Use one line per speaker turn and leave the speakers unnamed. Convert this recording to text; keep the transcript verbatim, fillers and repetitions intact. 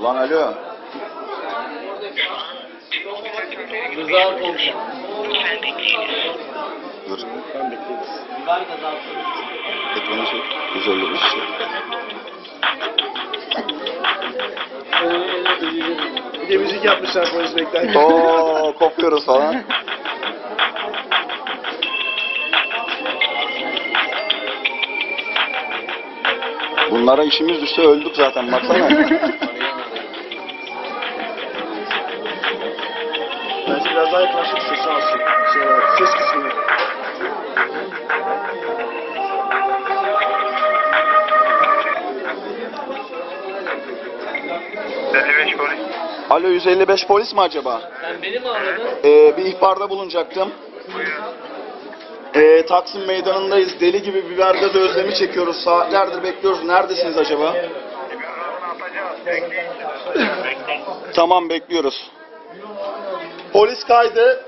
Lan alo.
Rıza konuşuyor.
Dur.
Ben bekleriz. Biber gazı
Ekranı çek. yüz elli beş.
Bir de müzik yapmışlar polis beklerken.
Oo, kopuyoruz falan. Bunlara işimiz düşse öldük zaten baksana.
Bence biraz daha yaklaşık sesi alsın. Şey olarak, ses kısmını.
elli beş polis.
Alo yüz elli beş polis mi acaba?
Sen beni mi anladın?
Ee, bir ihbarda bulunacaktım. Ee, Taksim Meydanı'ndayız. Deli gibi biber gazı özlemi çekiyoruz. Saatlerdir bekliyoruz. Neredesiniz acaba?
Birazdan atacağız. Bekleyin. Bekleyin.
Tamam bekliyoruz. Polis kaydı.